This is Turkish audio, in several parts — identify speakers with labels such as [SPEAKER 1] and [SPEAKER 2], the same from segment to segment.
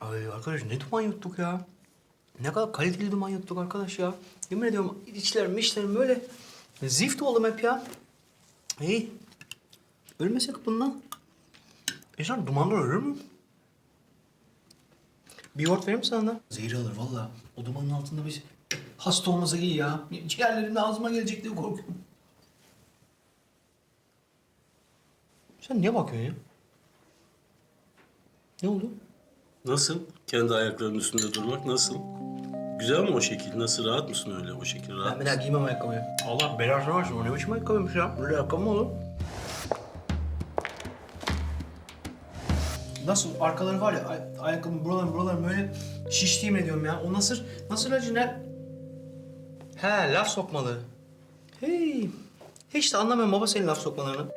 [SPEAKER 1] Ay arkadaş ne duman yuttuk ya. Ne kadar kaliteli duman yuttuk arkadaş ya. Yemin ediyorum içlerim böyle zift oldum hep ya. İyi. Ölmesek bundan. İnsan dumandan ölür mü? Bir yoğurt vereyim mi sana da? Zehir alır vallahi. O dumanın altında biz hasta olmasa iyi ya. Ciğerlerim ağzıma gelecek diye korkuyorum. Sen niye bakıyorsun ya? Ne oldu?
[SPEAKER 2] Nasıl? Kendi ayaklarının üstünde durmak nasıl? Güzel mi o şekil? Nasıl? Rahat mısın öyle o şekil? Rahat
[SPEAKER 1] Ben bir daha giymem ayakkabıyı. Allah belasını versin. O ne biçim ayakkabıymış ya? Böyle ayakkabı mı olur? Nasıl? Arkaları var ya, ayakkabının buraları böyle şiştiğim ediyorum ya. O nasıl acı ne? He, laf sokmalı. Hey. Hiç de anlamıyorum baba senin laf sokmalarını.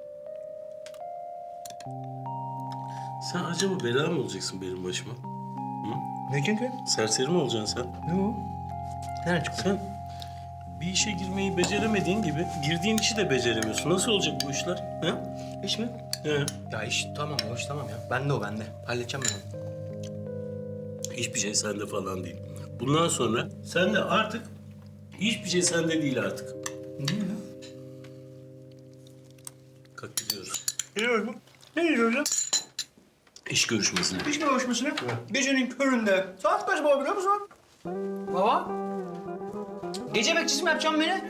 [SPEAKER 2] Sen acaba bela mı olacaksın benim başıma?
[SPEAKER 1] Ne çünkü?
[SPEAKER 2] Serseri mi olacaksın sen?
[SPEAKER 1] Ne o? Nereden çıktı?
[SPEAKER 2] Sen bir işe girmeyi beceremediğin gibi girdiğin işi de beceremiyorsun. Nasıl olacak bu işler? He?
[SPEAKER 1] İş mi?
[SPEAKER 2] He.
[SPEAKER 1] Ya iş tamam, o iş tamam ya. Bende o bende. Halledeceğim ben onu.
[SPEAKER 2] Hiçbir şey sende falan değil. Bundan sonra sen de artık hiçbir şey sende değil artık.
[SPEAKER 1] Niye ya?
[SPEAKER 2] Kalk gidiyoruz.
[SPEAKER 1] Gidiyoruz mu? Ne gidiyoruz ya?
[SPEAKER 2] İş görüşmesine.
[SPEAKER 1] İş görüşmesine. Gecenin köründe. Saat kaç baba biliyor musun? Baba? Gece bekçisi mi yapacaksın beni?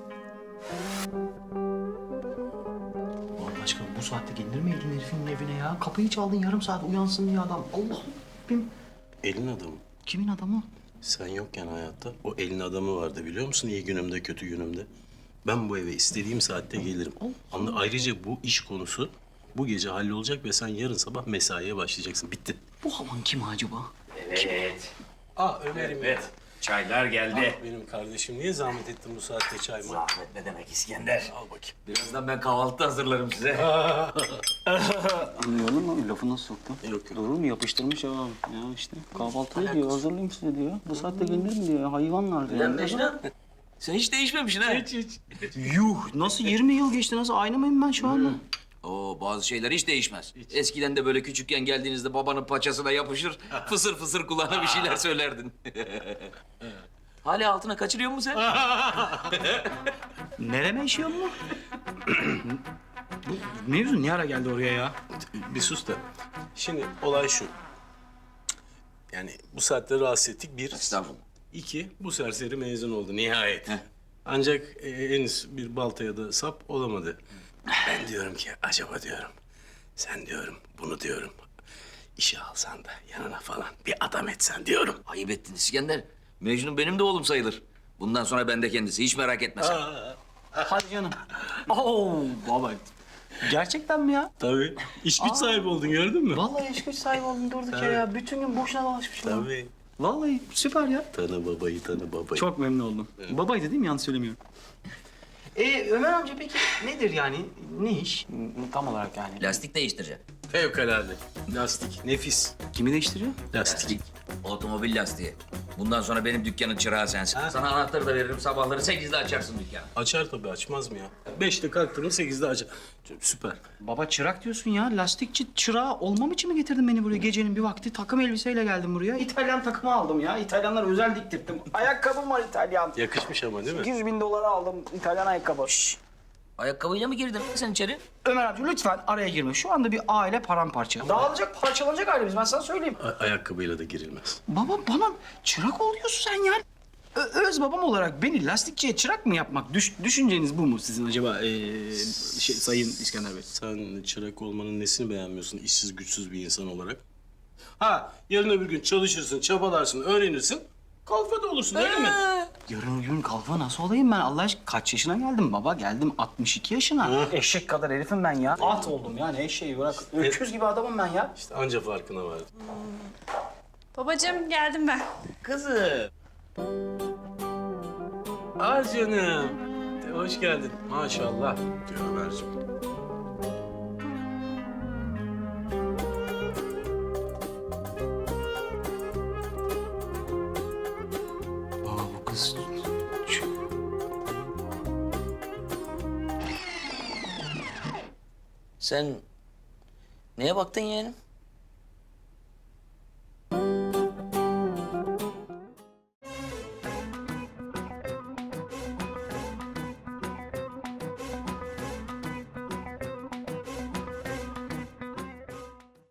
[SPEAKER 1] Allah aşkına bu saatte gelir miydin herifin evine ya? Kapıyı çaldın yarım saat uyansın diye adam. Allah'ım.
[SPEAKER 2] Elin adamı.
[SPEAKER 1] Kimin adamı?
[SPEAKER 2] Sen yokken hayatta o elin adamı vardı biliyor musun? İyi günümde, kötü günümde. Ben bu eve istediğim saatte gelirim. Ayrıca bu iş konusu bu gece hallolacak ve sen yarın sabah mesaiye başlayacaksın. Bitti.
[SPEAKER 1] Bu havan kim acaba?
[SPEAKER 3] Evet.
[SPEAKER 2] Ömer'im.
[SPEAKER 3] Evet. Çaylar geldi.
[SPEAKER 2] Benim kardeşim niye zahmet ettin bu saatte çay mı?
[SPEAKER 3] Zahmet ne demek İskender?
[SPEAKER 2] Al bakayım.
[SPEAKER 3] Birazdan ben kahvaltı hazırlarım size.
[SPEAKER 4] Gördün mü? Lafı nasıl soktu?
[SPEAKER 2] Yok.
[SPEAKER 4] Doğru mu? Yapıştırmış ya. Ya işte kahvaltı diyor, hazırlayayım size diyor. Bu saatte gelir mi diyor, hayvanlar diyor.
[SPEAKER 3] Lan Mecnun, sen hiç değişmemişsin ha.
[SPEAKER 2] Hiç.
[SPEAKER 1] Yuh nasıl 20 yıl geçti nasıl aynı mıyım ben şu anda?
[SPEAKER 3] Oo, bazı şeyler hiç değişmez. Eskiden de böyle küçükken geldiğinizde babanın paçasına yapışır, fısır fısır kulağına bir şeyler söylerdin. Hala altına kaçırıyor musun sen?
[SPEAKER 1] Nereme işiyor mu? Bu mevzu ne ara geldi oraya ya?
[SPEAKER 2] Bir sus da. Şimdi olay şu. Yani bu saatte rahatsız ettik. Bir.
[SPEAKER 3] Estağfurullah.
[SPEAKER 2] İki, bu serseri mezun oldu nihayet. Ancak henüz bir baltaya da sap olamadı. Ben diyorum ki acaba diyorum. Sen diyorum bunu diyorum. İşe alsan da yanına falan bir adam etsen diyorum.
[SPEAKER 3] Ayıp ettin İskender. Mecnun benim de oğlum sayılır. Bundan sonra ben de kendisi, hiç merak etme sen.
[SPEAKER 1] Hadi canım. Oo baba. Gerçekten mi ya?
[SPEAKER 2] Tabii. İş güç sahibi oldun gördün mü?
[SPEAKER 1] Vallahi iş güç sahibi oldum durduk yere ya. Bütün gün boşuna dolaşmışım. ya.
[SPEAKER 2] Tabii.
[SPEAKER 1] Vallahi süper ya.
[SPEAKER 2] Tanı babayı tanı babayı.
[SPEAKER 1] Çok memnun oldum. Babaydı değil mi? Yanlış söylemiyorum. Ömer amca peki nedir yani? Ne iş?
[SPEAKER 4] Tam olarak yani.
[SPEAKER 3] Lastik değiştireceğim.
[SPEAKER 2] Fevkalade. Lastik. Nefis.
[SPEAKER 1] Kimi değiştiriyor?
[SPEAKER 2] Lastik.
[SPEAKER 3] Otomobil lastiği. Bundan sonra benim dükkanın çırağı sensin. Sana anahtarı da veririm. Sabahları 8'de açarsın dükkanı.
[SPEAKER 2] Açar tabii açmaz mı ya? 5'te kalktın mı 8'de açar. Süper.
[SPEAKER 1] Baba çırak diyorsun ya. Lastikçi çırağı olmam için mi getirdin beni buraya? Gecenin bir vakti takım elbiseyle geldim buraya. İtalyan takımı aldım ya. İtalyanlar özel diktirttim. Ayakkabım var İtalyan.
[SPEAKER 2] Yakışmış ama değil mi?
[SPEAKER 1] 100.000 dolara aldım İtalyan ayakkabı.
[SPEAKER 3] Ayakkabıyla mı girdin sen içeri?
[SPEAKER 1] Ömer amca lütfen araya girme. Şu anda bir aile paramparça. Dağılacak, parçalanacak ailemiz. Ben sana söyleyeyim.
[SPEAKER 2] Ayakkabıyla da girilmez.
[SPEAKER 1] Baba bana çırak ol diyorsun sen ya. Öz babam olarak beni lastikçiye çırak mı yapmak? Düşünceniz bu mu sizin acaba Sayın İskender Bey?
[SPEAKER 2] Sen çırak olmanın nesini beğenmiyorsun işsiz güçsüz bir insan olarak? Ha, yarın öbür gün çalışırsın, çabalarsın, öğrenirsin. Kalfa da olursun öyle mi?
[SPEAKER 1] Yarın öbür gün kalfa nasıl olayım ben? Allah aşkına kaç yaşına geldim baba? Geldim 62 yaşına. Eşek kadar herifim ben ya. At oldum yani eşeği bırak. Öküz gibi adamım ben ya.
[SPEAKER 2] İşte anca farkına vardım.
[SPEAKER 5] Babacığım geldim ben.
[SPEAKER 2] Kızım. Ah canım. Hoş geldin. Maşallah diyor Ömerciğim.
[SPEAKER 1] Baba bu kız...
[SPEAKER 3] Sen neye baktın yeğenim?